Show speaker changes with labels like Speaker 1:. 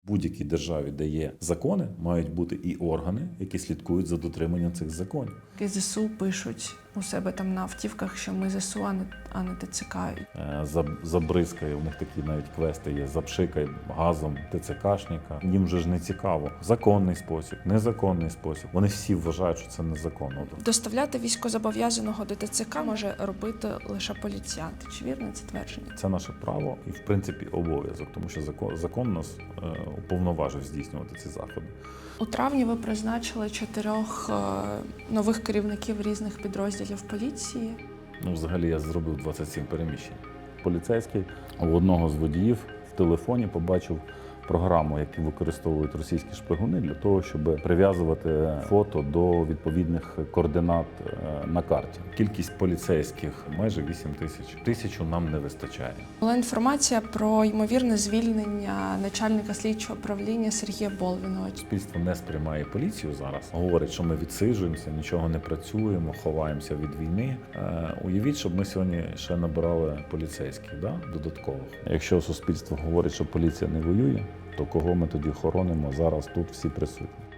Speaker 1: В будь-якій державі, де є закони, мають бути і органи, які слідкують за дотриманням цих законів.
Speaker 2: ЗСУ пишуть у себе там на автівках, що ми ЗСУ, а не ТЦК.
Speaker 1: Забризкає, у них такі навіть квести є, запшикай газом ТЦКшника. Їм же ж не цікаво. Законний спосіб, незаконний спосіб. Вони всі вважають, що це незаконно.
Speaker 2: Доставляти військовозобов'язаного до ТЦК може робити лише поліціянт. Чи вірне це твердження?
Speaker 1: Це наше право і, в принципі, обов'язок, тому що закон нас уповноважив здійснювати ці заходи.
Speaker 2: У травні ви призначили 4 нових керівників різних підрозділів поліції.
Speaker 1: Взагалі я зробив 27 переміщень. Поліцейський у одного з водіїв в телефоні побачив програму, яку використовують російські шпигуни для того, щоб прив'язувати фото до відповідних координат на карті. Кількість поліцейських майже 8 тисяч. 1000 нам не вистачає.
Speaker 2: Була інформація про ймовірне звільнення начальника слідчого управління Сергія Болвіного.
Speaker 1: Суспільство не сприймає поліцію зараз. Говорить, що ми відсиджуємося, нічого не працюємо, ховаємося від війни. Уявіть, щоб ми сьогодні ще набирали поліцейських, додаткових. Якщо суспільство говорить, що поліція не воює, то кого ми тоді хоронимо зараз тут всі присутні?